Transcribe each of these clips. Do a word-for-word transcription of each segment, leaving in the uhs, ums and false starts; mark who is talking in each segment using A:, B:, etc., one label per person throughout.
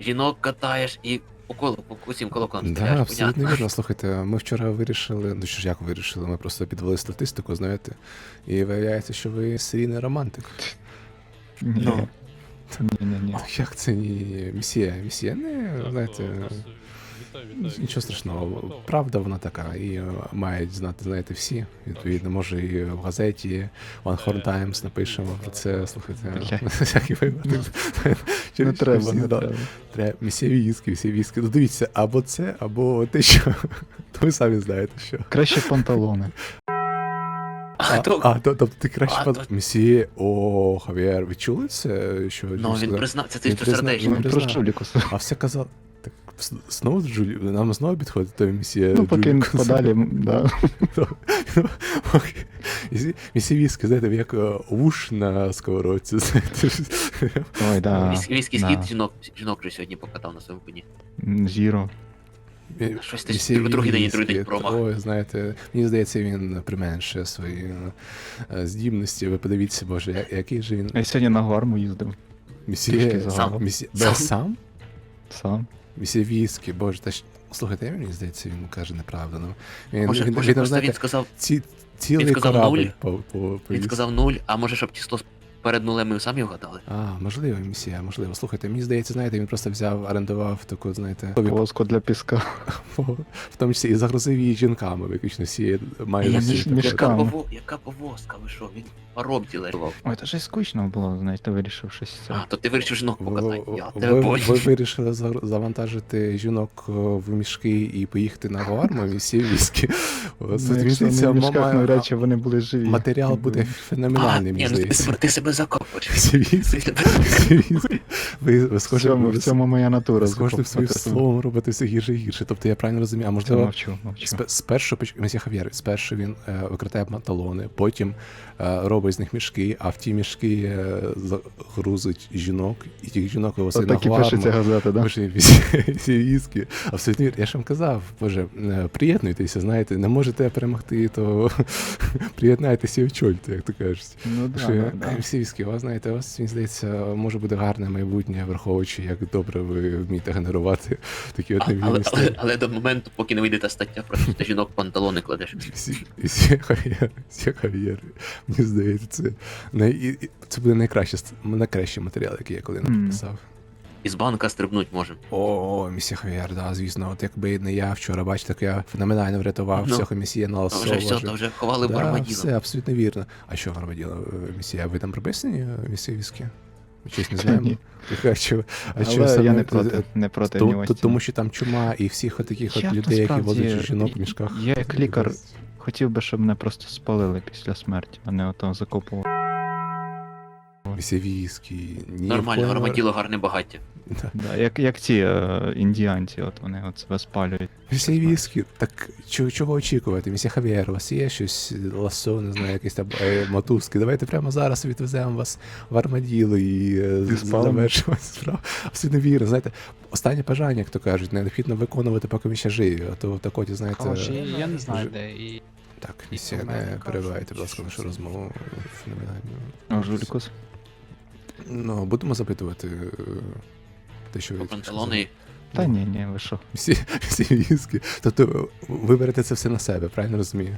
A: жінок катаєш і по колу, по усім колоколам
B: Да,
A: стріляєш,
B: абсолютно
A: понятно.
B: вірно. Слухайте, ми вчора вирішили, ну що ж як вирішили, ми просто підвели статистику, знаєте, і виявляється, що ви серійний романтик.
C: Ні.
A: Ну.
C: Ні-ні-ні.
B: Як це ні місія? Місія не, знаєте,
D: Вітаю, вітаю.
B: нічого страшного. Правда вона така, і е, мають знати, знаєте, всі. Відповідно, може і в газеті One Horn Times напишемо про це, слухайте,
C: Бля.
B: на всякий випадок.
C: Не треба,
B: Всі,
C: не
B: да.
C: треба.
B: Треба місія військи, місія військи. Ну дивіться, або це, або те, що. То ви самі знаєте, що.
C: Краще панталони.
B: А,
A: то-
B: а, то- тобто ти краще
A: А,
B: пан...
A: то-
B: Місіє, о, Хав'єр, ви чули це? Що,
A: Ну,
B: що
A: він
B: сказав?
A: признав, це ти
B: Він
A: що
B: признав,
A: сердечно.
B: він
C: Він про
B: признав.
C: Жулікуса.
B: А все казав. Так с- знову Джулі... нам знову підходить той місія.
C: Ну, поки він
B: Джулікус.
C: подалі, м, да.
B: Місія військи, знаєте, як е, вуш на сковородці, знаєте.
C: Ой, да.
A: Військовий
C: да.
A: схід жінок, жінок вже сьогодні покатав на своєму коні.
C: М, Зіро.
A: Щось ти
B: Місія
A: ж другий день і
B: військи,
A: другий день промах.
B: Ой, знаєте, мені здається, він применшує свої е, здібності. Ви подивіться, боже, я- який же він
C: Я сьогодні на Гуарму їздив.
B: місія...
C: трішки загавав.
B: Місія...
A: Сам.
B: Без сам?
C: Сам.
B: Місія військи, боже, та ж... Слухайте, мені здається, він каже неправду. Ну, він,
A: Може,
B: він,
A: може
B: він,
A: просто
B: знаєте,
A: він сказав,
B: ці, цілий
A: він сказав
B: корабль
A: нуль.
B: по, по,
A: він
B: повіз.
A: сказав нуль, а може, щоб число перед нулем ми самі вгадали?
B: А, можливо, місія, можливо. Слухайте, мені здається, знаєте, він просто взяв, орендував таку, знаєте,
C: Воску для піска.
B: в тому числі і загрузив її жінками, виключно всі мають
A: Я
C: між-
A: ж-
B: всі
C: між-
A: яка,
C: мішками.
A: пово- яка повозка, ви що, він паромці лежав.
C: Ой, це ж скучно було, знаєте, вирішив щось це.
A: А, то ти вирішив жінок
B: Ви,
A: покатати, я
B: ви,
A: тебе
B: ви
A: понял.
B: вирішили загр- завантажити жінок о, в мішки і поїхати на Гуарму, місії військи. О,
C: Ну,
B: це, мені
C: якщо
B: здається,
C: не в мішках,
B: має-
C: навряд чи вони були живі.
B: матеріал буде
A: А,
B: феноменальний,
A: ні,
B: мені
A: ну ти,
B: здається.
A: себе- ти себе закопуєш.
B: Місія військи, місія військи. Ви, ви
C: В
B: схожі,
C: цьому,
B: ви
C: в цьому моя натура.
B: з кожним своїм
C: закопувати.
B: словом робите все гірше і гірше. Тобто я правильно розумію, а
C: Це
B: можливо,
C: мовчу, мовчу.
B: Сп- Спершу поч- Месія Хав'єр, спершу він е, викрадає панталони, потім е, робить з них мішки, а в ті мішки е, загрузить жінок, і тих жінок вивозить на
C: Отак і пишеться
B: Гуарму.
C: газета, да?
B: Боже, всі, всі військи. Абсолютно вірно. Я ж вам казав, боже, е, приєднуйтеся, знаєте, не можете перемогти, то приєднайтеся і очольте, як то кажуть.
C: Ну да,
B: Що,
C: да,
B: е,
C: да.
B: всі військи, у вас, знаєте, у вас, мені здається, може бути гарне майбутнє, враховуючи, як добре ви вмієте генерувати такі от
A: Але,
B: невільні
A: але,
B: історії.
A: але до моменту, поки не вийде та стаття, про що ти жінок панталони кладеш.
B: Всі, всі Хав'єри, всі Хав'єри. Мені здається, це, най, і- і- це буде найкраще, найкращий матеріал, який я коли
C: Мгм.
B: написав.
A: Із банка стрибнуть можемо.
B: О, місія Хав'єр, да, звісно. От якби не я вчора, бачите, як я феноменально врятував
A: Ну,
B: всього місія на
A: А
B: ласо.
A: вже все, то вже ховали в
B: Да,
A: армаділо.
B: все, абсолютно вірно. А що в армаділо, місія? Ви там прописані, е, місія військи? Ми щось не знаємо.
C: Ні.
B: А що, а що
C: Але
B: саме
C: я не
B: це-
C: проти, не проти
B: То-
C: нього.
B: то- тому що там чума і всіх от таких от
C: Я
B: людей, які
C: насправді-
B: возять жінок в мішках.
C: Я як лікар хотів би, щоб мене просто спалили після смерті, а не ото закопували.
B: Місія військи. Ні,
A: Нормально,
B: в кого-
A: армаділо гарне багаття.
B: Да.
C: Да, як, як ті е, індіанці, от вони от себе спалюють.
B: Місія військи, так чого, чого очікувати? Місія Хав'єр, у вас є щось, ласо, не знаю, якісь там е, мотузки. Давайте прямо зараз відвеземо вас в армаділо і е,
C: І
B: з-
C: спалимо.
B: завершимо справу. Абсолютно вірно. Знаєте, останнє бажання, як то кажуть, необхідно виконувати, поки ми ще живі. А то так от, знаєте,
E: Хороші, я не знаю,
B: вже-
E: де і.
B: так, місія,
E: у мене
B: не
E: кажуть,
B: перебивайте, будь
E: що
B: ласка, нашу
E: це
B: розмову. Феноменально.
C: О, Жулікус.
B: Ну, будемо запитувати е, те, що ви
A: Про
B: тільки
A: панталони. і-
C: Та ні, ні, ви що?
B: Всі, всі військи. Тобто ви берете це все на себе, правильно розумію?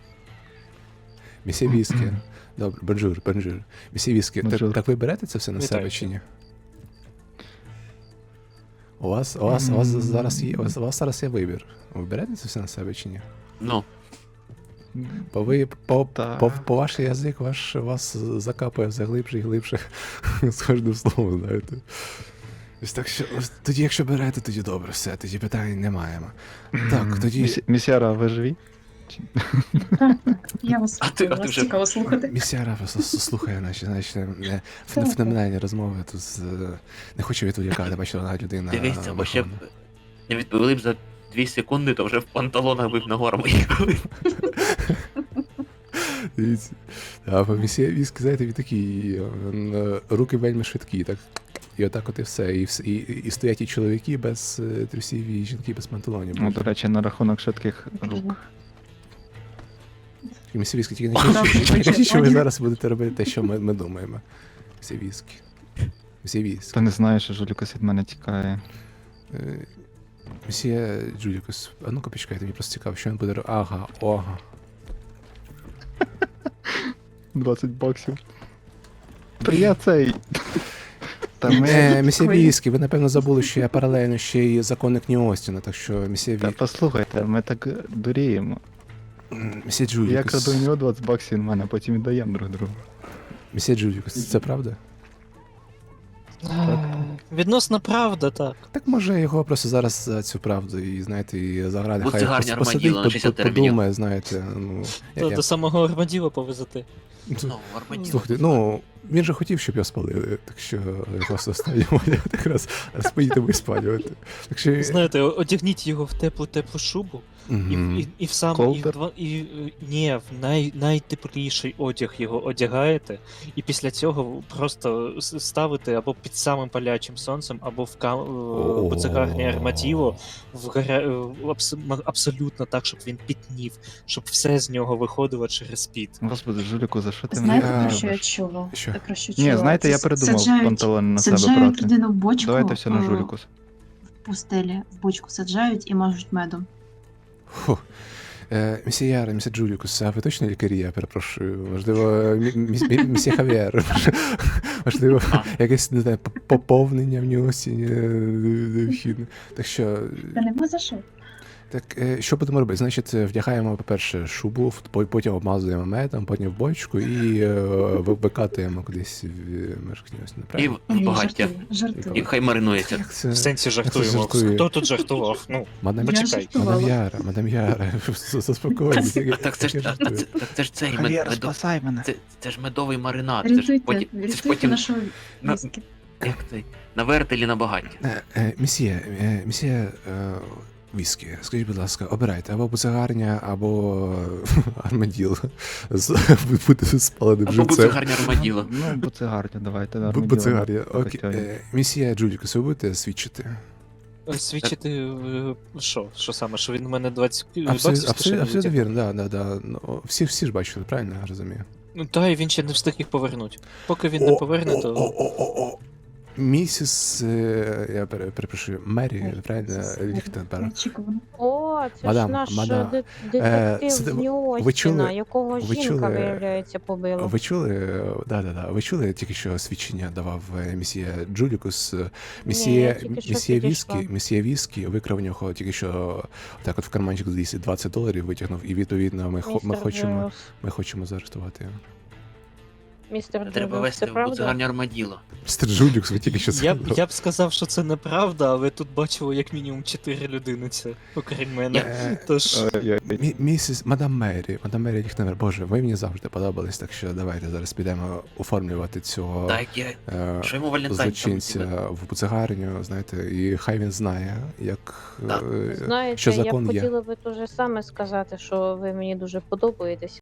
B: Місія військи. Добре, бонжур, бонжур. Місія військи. Так,
C: Бонжур.
B: так ви берете це все на
E: Вітаю
B: себе
E: всіх.
B: чи ні? У вас, у вас, у вас зараз є, у вас, у вас зараз є вибір. Ви берете це все на себе чи ні?
A: Ну,
B: Бо ви по,
C: Та-
B: по, по ваш язик ваш вас закапує все глибше і глибше з кожним словом, знаєте. Ось так що, ось тоді, якщо берете, тоді добре, все, тоді питань не маємо. Так, тоді.
C: Місі- Місяра, ви живі?
F: Я вас
A: А ти-
F: слухаю,
A: а ти
F: вас
A: вже-
F: цікаво слухати.
B: Місяра вас с- слухає наші, наші е, фен-
F: Так.
B: феноменальні розмови. Тут з, е, не хочу відволікати, бачила одна людина.
A: дивіться, бо ще б
B: вихована.
A: не відповіли б за дві секунди, то вже в панталонах би б на гору їхали.
B: Дивіться. А по місія військ, знаєте, він такий, він, е, руки вельми швидкі, так. І отак от і все. І, вс- і, і стоять і чоловіки без е, трусів, і жінки без панталонів.
C: Ну, до речі, на рахунок швидких рук.
B: І місія військ, тільки не
F: Добре,
B: кажіть, тільки не
F: бачите,
B: кажіть, що ви
F: пані-
B: зараз будете робити те, що ми, ми думаємо. Місія військ. Мсьє Віскі.
C: Та не знаю, що Жулікус від мене тікає.
B: Е, Мсьє Джулікус, а ну-ка почекайте, мені просто цікаво, що він буде робити. Ага, ага.
C: двадцять баксів. Та я цей. Та ми...
B: Е, мсьє Віскі, ви напевно забули, що я паралельно ще й законник Нью-Остіна, так що мсьє
C: Та
B: Віскі.
C: послухайте, ми так дуріємо.
B: Мсьє
C: Я
B: Джулікус.
C: краду у нього двадцять баксів, він в мене, а потім віддаємо друг другу.
B: Мсьє Джулікус, це правда?
E: Відносно правда, так.
B: Так може його просто зараз за цю правду і, знаєте, і заграти,
A: Будь
B: хай
A: це гарні
B: пос-
A: армаділо
B: посидить,
A: на
B: по-
A: шістдесят
B: по-
A: термінів.
B: подумає, знаєте, ну... я-
E: До,
B: я-
E: до самого Армаділа повезти.
A: Ну, армаділо.
B: Слухайте, ну, він же хотів, щоб його спалили, так що просто останньому якраз розпоїти і спалювати. Так що...
E: Знаєте, о- одягніть його в теплу теплу шубу і,
B: Мгм.
E: і, і в сам і в
C: Ковдр?
E: два і е, ні, в най, найтепліший одяг його одягаєте, і після цього просто с- ставите або під самим палячим сонцем, або в кам...
B: О.
E: поцегарні арматіво в гаря... е, абс... м- абсолютно так, щоб він пітнів, щоб все з нього виходило через піт.
C: Господи, Жуліку, за що ти мене
F: Знаєте,
B: Я-
F: про що я
C: робиш?
F: чула?
B: Що?
F: Про що
C: Ні,
F: чула?
C: знаєте, я
F: Це
C: передумав
F: саджають-
C: панталони на себе
F: Саджають
C: брати.
F: людину в бочку,
C: Давайте все на
F: е,
C: Жулікус.
F: в пустелі, в бочку саджають і мажуть медом.
B: Фу. Е, Мсьє Яр, мсьє Джулікус, а ви точно лікарі, я перепрошую? Можливо, мі- міс- мі- мсьє Хав'єр? Можливо,
A: А.
B: якесь, не знаю, поп- поповнення в Нью-Остіні е, необхідне. Так що,
F: Та нема за що.
B: так, е, що будемо робити? Значить, е, вдягаємо, по-перше, шубу, в- по- потім обмазуємо медом, потім в бочку і е, ви- викатуємо кудись в межах Нью-Остіна,
A: І
B: правильно?
A: в
F: Ні,
A: багаття.
F: жартую, жартую.
A: І хай маринується.
B: Як це?
E: В сенсі
B: це
E: жартуємо.
B: жартує?
E: Хто тут жартував? Ну,
B: Мадам,
F: Я
E: почекай.
F: жартувала.
B: мадам Яра, мадам Яра, заспокойтесь.
A: А так це ж, а, а це, так це ж цей мед, медо,
C: спасай мене.
A: це, це ж медовий маринад. Це ж
F: Рятуйте,
A: потім, це ж
F: рятуйте
A: потім
F: нашого
A: на-
F: віскі.
A: як цей, на вертелі на багатті.
B: Е, е, Місьє, е, місьє е, Віскі, скажіть, будь ласка, обирайте або буцегарня, або армаділ. З- Бути спаленим
A: Або буде
B: живцем.
A: гарне армаділо.
C: Ну, буцегарня, давайте.
B: Бу-
C: армаділо.
B: Буцегарня. Окей.
C: Покачаємо.
B: Е, Місьє Джулікус, ви будете свідчити?
E: Свідчити е, що? Що саме? Що він у мене двадцять
B: Абсолютно,
E: баксів з
B: абсолютно,
E: кишені
B: абсолютно
E: витягнув?
B: вірно, да, да, да. Ну, всі, всі ж бачили, правильно я розумію?
E: Ну та і він ще не встиг їх повернути. Поки він
B: О,
E: не поверне,
B: о,
E: то.
B: о, о, о, о. Місіс, е, я пере- перепрошую, Мері, правильно, Ліхтенберг.
F: Неочікувано.
G: О, це
B: Мадам,
G: ж наш
B: мадам,
G: де-
B: е,
G: детектив
B: сиди-
G: з
B: ви
G: Нью-Остіна,
B: чули-
G: якого
B: ви
G: жінка,
B: чули-
G: виявляється, побила.
B: Ви чули, да, да, да, ви чули тільки що свідчення давав е, місьє Джулікус, е,
G: я
B: місьє,
G: тільки що
B: місьє
G: підійшла.
B: Віскі, місьє Віскі викрав у нього тільки що так от в карманчик зліз і двадцять доларів витягнув, і відповідно ми, хо- ми
G: Містер
B: хочемо,
G: Джуліус.
B: ми хочемо заарештувати його.
G: Містер
A: Треба
G: Джуліус,
A: вести
G: це
A: в
G: правда?
A: буцегарні армаділо.
B: Містер Джулікус, ви тільки що
E: Я б,
B: сказали.
E: я б сказав, що це неправда, але тут бачили як мінімум чотири людини це, окрім мене.
B: Е,
E: Тож.
B: Мі- Місіс, мадам Мері, мадам Мері Ліхтенберг, боже, ви мені завжди подобались, так що давайте зараз підемо оформлювати цього
A: Так, я.
B: е,
A: Що йому Валентайн? там
B: злочинця
A: тебе?
B: в буцегарню, знаєте, і хай він знає, як
A: Так.
B: е,
G: Знаєте,
B: що
G: я б
B: закон є.
G: хотіла би те же саме сказати, що ви мені дуже подобаєтесь.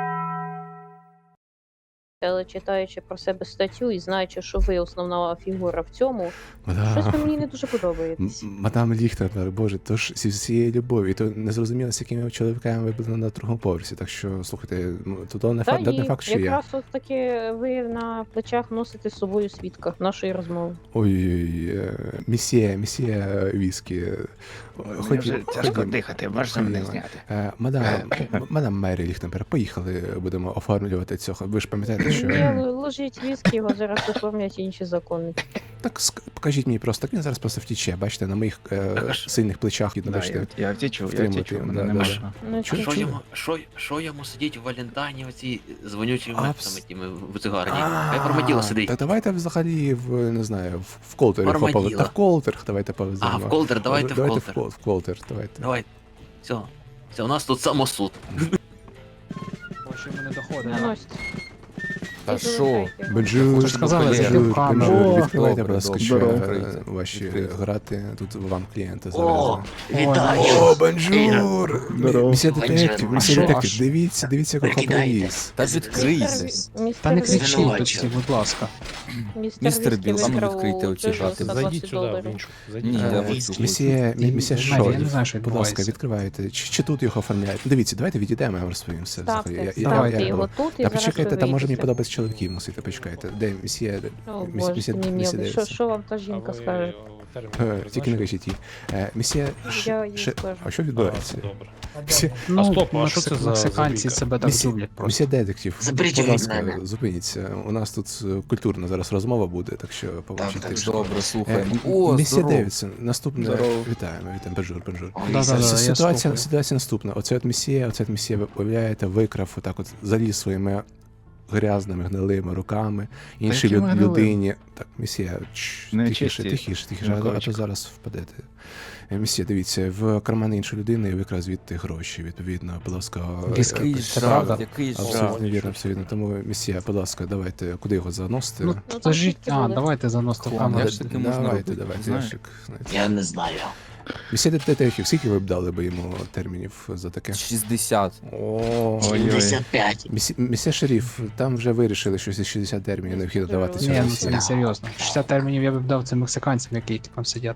G: Але читаючи про себе статтю і знаючи, що ви основна фігура в цьому, щось ви
B: Мадам,
G: мені не дуже подобаєтесь.
B: м- мадам Ліхтенберг, боже, то ж зі всієї любові, то не зрозуміло, з якими чоловіками ви були на другому поверсі, так що, слухайте, ну, то, то не
G: Та
B: факт, не
G: і
B: факт, що я.
G: якраз от таки ви на плечах носите з собою свідка нашої розмови.
B: Ой-ой-ой, е, місьє, місьє Віскі.
C: Мені вже тяжко
B: ходімо.
C: дихати, можна мене
B: Ходімо.
C: зняти?
B: Е, Мадам, м- мадам Мері Ліхтенберг, поїхали, будемо оформлювати цього. Ви ж пам'ятаєте, що...
G: Ні, л- ложіть віскі, його зараз оформлять інші закони.
B: Так ск- покажіть мені просто, він зараз просто втіче, бачите, на моїх е,
A: Так, а ж-
B: сильних плечах,
C: Да,
B: бачите.
C: я, я втічу, я
B: втримати,
C: втічу,
B: да,
C: мене не
B: да.
C: можна.
G: Ну,
B: Чу-
G: це-
A: Що
B: чу-
A: йому, що, що йому сидіть у Валентайні оці дзвонючими
B: А,
A: метами
B: вс-
A: тими в буцегарні? Хай в армаділо сидить.
B: Так давайте взагалі в, не знаю, в, в колтері
A: Армаділо.
B: хопали. Та в колтер давайте повеземо.
A: А, в колтер, давайте в
B: Давайте
A: колтер.
B: в, кол- в колтер, давайте.
A: Давай. Все. Все, у нас тут самосуд.
G: Наносьте.
H: Та
G: І
H: що?
G: залишайте.
B: Бенджур,
H: Ви ж сказали,
B: Бенджур,
H: зайти в камеру.
B: Бенджур,
H: О,
B: відкривайте,
H: добре,
B: будь ласка,
H: добре.
B: ще
H: Добре,
B: е,
H: відкрийте,
B: ваші
H: відкрийте.
B: грати, тут вам клієнти
A: О,
B: завезли.
A: вітаю!
B: О, Бенджур!
C: Здорово.
B: Місія
A: Бенджур,
B: детектив,
A: а
B: місія
H: що,
B: детектив,
H: а що?
B: дивіться, дивіться, якого
A: Прикидайте.
B: привіз.
H: Та
G: Містер
H: відкрийте.
G: Ві- містер
H: Та не
G: Ві-
H: кричіть
A: Звинувачую.
H: тут, будь ласка.
G: Містер
H: Біл,
G: Віскі
H: а ну
G: викрав
H: відкрийте
G: у
H: оці
G: Джоджо
H: шати.
G: за
D: Зайдіть
G: двадцять
D: сюди, в
G: доларів.
D: іншу.
H: Ні,
D: Зайдіть.
H: я
A: Е,
H: в оцю.
B: Місія,
H: Ти-
B: місія
H: ти знаєш,
B: що?
H: я не знаю, що
B: Будь ласка,
H: відбувається.
B: відкривайте. Чи, чи тут його оформляють? Дивіться, давайте відійдемо, я вам розповім все.
G: Ставте,
B: взагалі. Я- я-
G: ставте
B: я-
G: його тут і
B: Та
G: зараз
B: почекайте,
G: ви
B: там може мені
G: вийдете.
B: подобається чоловіків носити, почекайте. Де місьє?
G: О,
B: міс-
G: боже,
B: місьє-
G: ти мій
B: місьє
G: мілий. Що,
B: Девідсон?
G: що вам та
D: А
G: жінка
D: ви
G: скаже?
D: е, термін
B: Е, Тільки не
D: призначили?
B: кажіть їй. Е, Місьє... Ш-
G: Я їй
B: Ш-
G: скажу.
B: А що
D: А,
B: відбувається?
D: це добре.
B: Місьє...
D: А стоп, а що це за
H: мексиканці
D: забійка?
H: себе так
B: Місьє...
H: люблять просто.
B: Місьє детектив,
I: Заберіть
B: будь
I: його від
B: ласка,
I: мене.
B: зупиніться. У нас тут е, культурна зараз розмова буде, так що
I: Так,
B: побачите.
I: так,
B: що-
I: добре,
B: Е,
I: слухаємо.
B: м-
I: О,
B: Місьє
I: здорово.
B: Девідсон, наступне...
I: Здорово.
B: Вітаємо, вітаємо, бонжур, бонжур.
I: Ой,
H: Да-да-да,
I: Ісус.
H: я
B: Ситуація,
H: слухаю.
B: ситуація наступна. Оце от місія, оце от місія, ви уявляєте, викрав отак от заліз своїми грязними, гнилими руками іншій
C: якими
B: люд-
C: гнилими?
B: людині. Так, місія, чш,
C: Не
B: тихіше,
C: чисті.
B: тихіше, тихіше, а, то- а то
C: Миколайчик.
B: зараз впадете. Е, Місія, дивіться, в кармани іншої людини і викрав звідти гроші, відповідно, будь ласка. е,
H: Який
B: е,
H: Це правда?
I: Який
B: Абсолютно вірно, абсолютно. Тому місія, будь ласка, давайте, куди його заносити?
H: Ну,
G: там
H: скажіть,
G: скільки
H: а,
G: були?
H: давайте заносити в
I: Хлам,
H: камеру.
I: я ж таки можна
B: Давайте,
I: робити,
B: давайте,
I: знаєш?
B: ящик, знаєте.
I: Я не знаю.
B: Місія детектив, скільки ви б дали би йому термінів за таке?
I: шістдесят.
B: О,
I: сімдесят п'ять.
B: Місі- Місія шериф, там вже вирішили, що зі шістдесят термінів необхідно давати
H: Ні,
B: цьому
H: ну це
B: місії.
H: не серйозно. шістдесят термінів я б дав цим мексиканцям, які там сидять.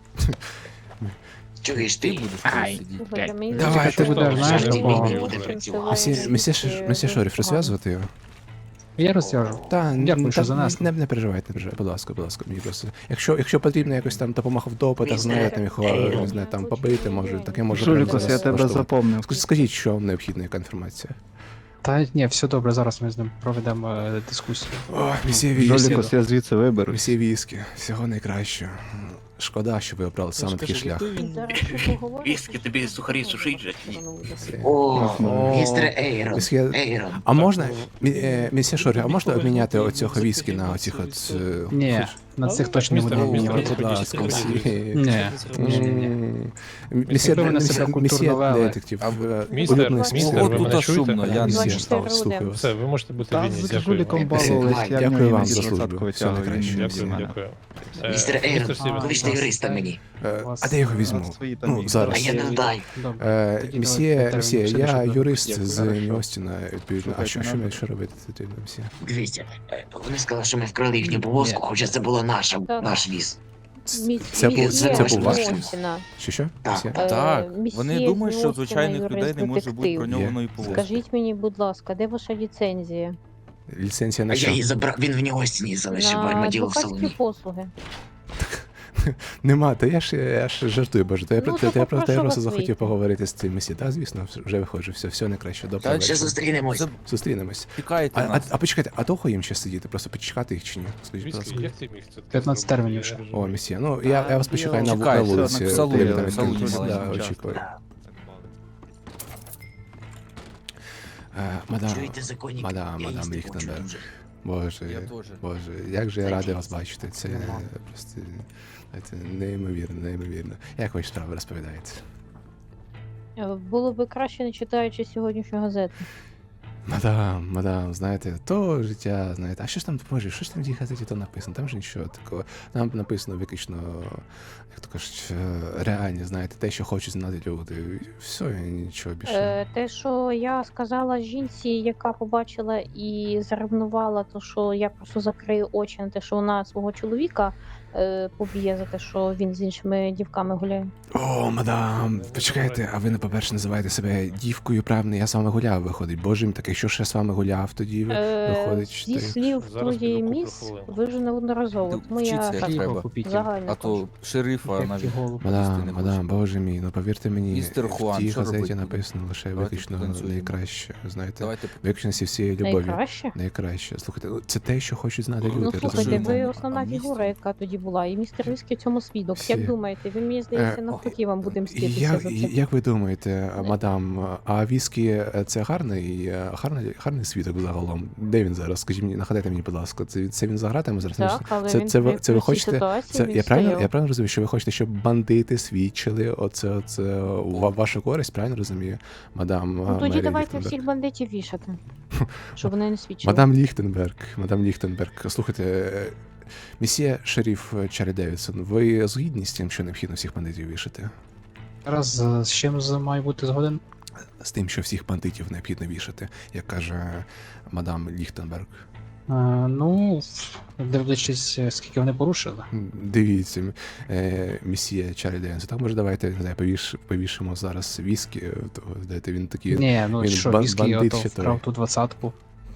I: Чуєш ти? Ай.
G: Слухайте, мені
B: Давай,
G: здається,
B: ти будеш,
G: що
B: знаєш,
G: це
H: такого.
G: буде
I: Місія-
G: танцювальні
B: Місія, місія,
G: такі
B: Ш- місія шериф,
G: погано.
B: розв'язувати його?
H: Я розв'яжу.
B: Та,
H: Дякую,
B: та,
H: що занесли.
B: Не, не переживайте, не переживайте, будь ласка, будь ласка, мені просто. Якщо, якщо потрібно якось там допомога в допитах,
I: Містер
B: знаєте, там його,
I: Ейрон.
B: не знаю, там побити, може, таке може
C: Жулікус,
B: прямо
C: я тебе
B: влаштовувати.
C: запомнив.
B: Ск- Скажіть, що вам необхідна, яка інформація?
H: Та ні, все добре, зараз ми з ним проведемо е, дискусію.
B: О, місія віскі.
C: Жолікус, я звідси виберу.
B: Місія віскі, всього найкращого. Шкода, що ви обрали саме такий шлях.
G: Зараз ще поговоримо,
A: Віскі, тобі сухарі сушить же? чи ні?
I: О,
B: О,
I: містер Ейрон.
B: місьє-
I: Ейрон.
B: А можна, мі- е, місія Шорі, а можна обміняти оцього віскі на оцих от... е,
H: Ні,
B: хоч-
H: на цих точно не
D: Містер-
H: будемо
D: містер-
H: обмінювати.
B: Будь ласка,
D: Містер-
B: місія.
H: Ні.
B: М, Місія
H: Якби ви на себе
B: місія-
H: культурно
B: місія
H: вели.
B: детектив.
I: А ви-
B: е,
D: Містер,
B: улюблений
D: містер,
B: спосіб.
D: ви
I: О,
D: мене
I: тут
D: чуєте?
I: шумно, я не
B: Місія,
G: двадцять чотири
B: слухаю
G: години.
B: вас.
D: Все, ви можете бути
C: Та
D: вільні.
C: з
D: Дякую
C: жуліком
D: вам.
C: балувались,
I: Дякую
C: я в
B: вам
C: нього
B: за службу.
C: двадцятку
B: Всього
C: витягую,
B: найкращого.
C: він
D: Дякую,
C: від мене.
D: дякую. Е,
I: Містер Ейрон,
D: містер Стівен,
I: кличте юриста мені.
B: Е,
H: Вас-
B: А де його візьму?
C: Свої там
B: Ну,
C: є.
I: А
B: зараз.
I: я не дай.
H: Добре.
B: Е,
H: Тоді
B: Місія,
H: давайте
B: місія,
H: термін
B: я
H: ще
B: юрист
C: Дякую,
B: з
C: хорошо.
B: Ньостіна, відповідно. А
C: Слухайте,
B: що, що,
C: надо.
B: ми- що робити відповідно, місія?
I: Дивіться, е, вони сказали, що ми вкрали їхню повозку,
H: Ні.
I: хоча це була наша,
G: Так.
I: наш віз.
B: Це, це був, це, це був ваш? Що, що?
I: Так.
B: Місія?
J: Так,
G: Е, місьє
J: вони думають, що
G: Ньостіна,
J: звичайних людей не може бути
G: юрист-детектив.
J: броньованої повозки.
G: Скажіть мені, будь ласка, де ваша ліцензія?
B: Ліцензія
I: А
B: на
I: я
B: що?
I: її забрав, він в нього стіні залишив в
G: На
I: армаділо в
G: адвокатські
I: салоні.
G: послуги.
B: Нема, та я ж, я ж жартую, боже. То я,
G: Ну,
B: про-
G: то
B: то я просто, я
G: попрошу
B: просто
G: вас
B: захотів
G: вийти.
B: поговорити з цим місією. Та, звісно, вже виходжу, все, все найкраще, добре.
I: Так, ще зустрінемось.
B: Зустрінемось.
J: Чекайте
B: А, а,
J: нас.
B: а почекайте, а довго їм ще сидіти? Просто почекати їх чи ні? Скажіть, будь
D: Віскі,
B: ласка.
D: як ти міг це таке
H: п'ятнадцять
D: зробити?
H: термінів
D: Я
H: ще.
D: не
B: О,
D: розумію.
B: місія. Ну, я, я вас почекаю на, на
J: Чекайте,
B: вулиці.
J: в салоні,
B: коли ви там
J: в салоні
B: відкриєтесь.
J: маленький
B: Да,
J: час.
B: очікую.
I: Так.
B: Е, Мадам,
I: Чуєте, законник?
B: мадам,
I: Я
B: мадам
I: їсти
B: Ліхтенберг.
I: хочу дуже.
B: Боже,
J: Я теж.
B: боже, як же я радий вас
I: Закінчиться.
B: бачити. Це
I: Нема.
B: просто це неймовірно, неймовірно. Як ваші справи розповідаєте?
G: Е, Було би краще, не читаючи сьогоднішню газету.
B: Мадам, мадам, знаєте, то життя, знаєте, а що ж там, боже, що ж там в тій газеті то написано? Там ж нічого такого. Там написано виключно, як то кажуть, е, реальні, знаєте, те, що хочуть знати люди. Все, і нічого більше.
G: Е, те, що я сказала жінці, яка побачила і заревнувала, то що я просто закрию очі на те, що вона свого чоловіка е, поб'є за те, що він з іншими дівками гуляє.
B: О, мадам, почекайте, а ви, не, по-перше, називаєте себе дівкою, правильно, я з вами гуляв, виходить. Боже мій, так якщо ж я з вами гуляв, тоді
G: Е,
B: виходить,
G: зі
B: що...
G: слів
D: Зараз
G: твоєї
D: піду куплю
G: міс,
D: хвилинку.
G: ви вже неодноразово.
J: Ти
G: Тому я
J: вчіться,
G: так
J: як
H: Хліба
J: треба.
H: купіть.
G: загально
J: А
G: кажу.
J: то шерифа
H: Як
J: навіть
H: ті голови.
B: Мадам,
J: не
B: мадам,
J: хоче.
B: боже мій, ну повірте мені,
J: Містер
B: в
J: Хуан,
B: тій
J: що
B: газеті
J: робити
B: написано лише
J: Давайте
B: виключно
J: потанцюємо.
B: найкраще, знаєте,
J: Давайте
B: виключно зі всієї любові.
G: Найкраще?
B: Найкраще. Слухайте, ну, це те, що хочуть знати
J: Ну,
B: люди,
G: Ну слухайте,
B: розумієте?
G: ви
J: А
G: основна
J: містер?
G: фігура, яка тоді була, і містер Віскі в цьому свідок.
B: Всі.
G: Як думаєте, він мені здається,
B: Е,
G: навпаки вам буде мститися
B: Як,
G: за це.
B: як ви думаєте, мадам, а віскі е, це гарний, е, гарний, гарний свідок загалом? Де він зараз? Скажіть мені, нагадайте мені, будь ласка, це, це він за гратами зараз?
G: Так, але
B: це,
G: він
B: це, ви,
G: при-
B: це ви
G: при цій
B: хочете?
G: ситуації
B: Це,
G: він
B: я, правильно,
G: стояв.
B: я правильно розумію, що ви хочете, щоб бандити свідчили оце, оце у ва- вашу користь, правильно розумію, мадам?
G: Ну
B: а,
G: тоді
B: Мері
G: давайте
B: Ліхтенберг?
G: всіх бандитів вішати, щоб вони не свідчили.
B: Мадам Ліхтенберг, мадам Ліхтенберг, слухайте, е, місьє шериф Чарлі Девідсон, ви згідні з тим, що необхідно всіх бандитів вішати?
H: Зараз е, з чим з- має бути згоден?
B: З тим, що всіх бандитів необхідно вішати, як каже мадам Ліхтенберг.
H: Е, ну, дивлячись, е, скільки вони порушили.
B: Дивіться, е, місьє Чарлі Девідсон, так може давайте не знаю, повіш, повішимо зараз віскі, то, знаєте, він такий.
H: Ні, ну
B: він
H: що,
B: бан-
H: віскі
B: бандит
H: ото
B: ще той.
H: вкрав ту двадцятку.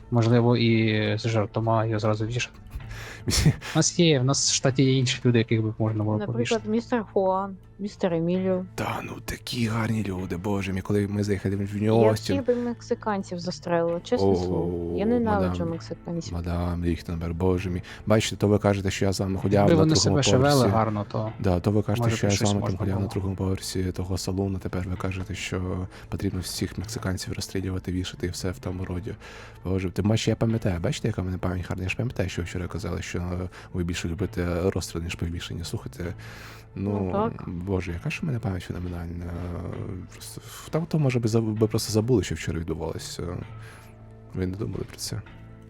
H: Можливо, і з жартома його зразу вішати. У нас є, в нас в штаті є інші люди, яких би можна було
G: Наприклад,
H: повішати.
G: містер Хуан, містер Еміліо.
B: Та ну такі гарні люди, боже мій, коли ми заїхали в
G: Я
B: Нью-Остін.
G: всіх би мексиканців застрелила, чесне
B: О,
G: слово. Я ненавиджу
B: мадам.
G: мексиканців.
B: Мадам Ліхтенберг, боже мій. Бачите, то ви кажете, що я з вами ходяв
H: Якби
B: на
H: вони
B: другому
H: себе ще вели
B: поверсі.
H: гарно, то
B: Да, то ви кажете,
H: може
B: що
H: б
B: я з
H: щось
B: вами там
H: можна
B: ходяв на
H: було.
B: другому поверсі того салону, тепер ви кажете, що потрібно всіх мексиканців розстрілювати, вішати і все в тому роді. Боже, тим паче я пам'ятаю, бачите, яка в мене пам'ять гарна, я ж пам'ятаю, що ви вчора казали, що ви більше любите розстріл, ніж повішення. Слухайте, ну,
G: Ну, так.
B: боже, яка ж у мене пам'ять феноменальна. Просто, там то, може, би, заб- би просто забули, що вчора відбувалося. Ви не думали про це.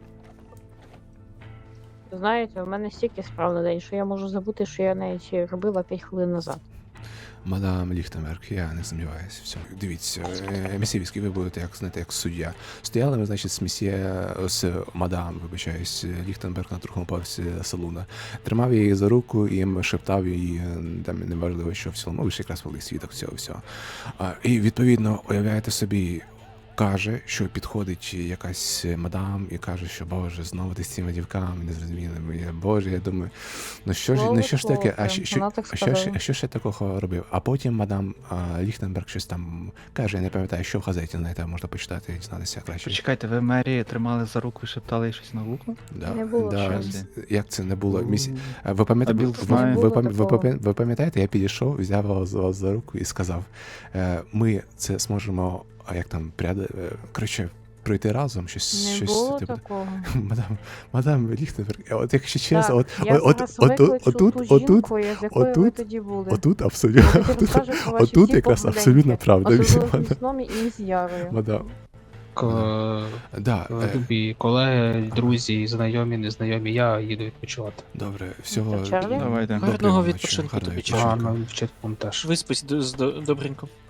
G: Знаєте, у мене стільки справ на день, що я можу забути, що я навіть робила п'ять хвилин назад.
B: Мадам Ліхтенберг, я не сумніваюся в цьому. Дивіться, е, месьє Віскі, ви будете, як знаєте, як суддя. Стояли ми, значить, з месьє, з мадам, вибачаюсь, Ліхтенберг на другому поверсі салуна. Тримав її за руку і їм шептав їй, там неважливо, що в цілому, ви ж якраз були свідок цього всього. А, і відповідно, уявляєте собі, каже, що підходить якась мадам і каже, що боже, знову ти з цими дівками незрозумілими. Я, Боже, я думаю, ну що ж, ну що ж таке, а що, що,
G: Вона так
B: а що, ж-
G: сказала.
B: а що ж я такого робив? А потім мадам а, Ліхтенберг щось там каже, я не пам'ятаю, що в газеті, знаєте, можна почитати і дізнатися краще.
C: Почекайте, ви Мері тримали за руку і шептали їй щось на вухо?
B: Да,
G: Не було
B: да,
C: щось.
B: як це не було? Місі... А ви пам'ятаєте,
C: А Білл
B: ви,
C: знає.
B: ви,
G: Не було
B: пам- ви,
G: такого.
B: пам'я- ви пам'ятаєте, я підійшов, взяв вас за, за руку і сказав, е, ми це зможемо, а як там, пряди, е, коротше, пройти разом, щось,
G: Не
B: щось
G: було
B: типу.
G: такого.
B: Мадам, мадам Ліхтенберг, от якщо чесно, от,
G: Так, я
B: от,
G: зараз
B: от, отут,
G: викличу
B: отут,
G: ту
B: отут,
G: жінку, з якою ви
B: отут,
G: тоді були.
B: отут абсолютно,
G: Я тоді
B: отут,
G: розкажу про ваші
B: отут
G: всі
B: якраз
G: похуденьки.
B: абсолютно правда.
G: Особливо з
B: мадам.
G: Місном і з Ярою.
B: Мадам,
H: К-
B: да, е,
H: любі колеги, друзі, знайомі, незнайомі, я їду відпочивати.
B: добре, всього
G: Це Чарлі?
B: доброго
C: Давайте.
E: Гарного
B: ночі,
E: відпочинку
B: гарного
E: тобі,
B: відпочинку.
H: Гарно, вчитель теж.
E: Виспись д- з- добренько.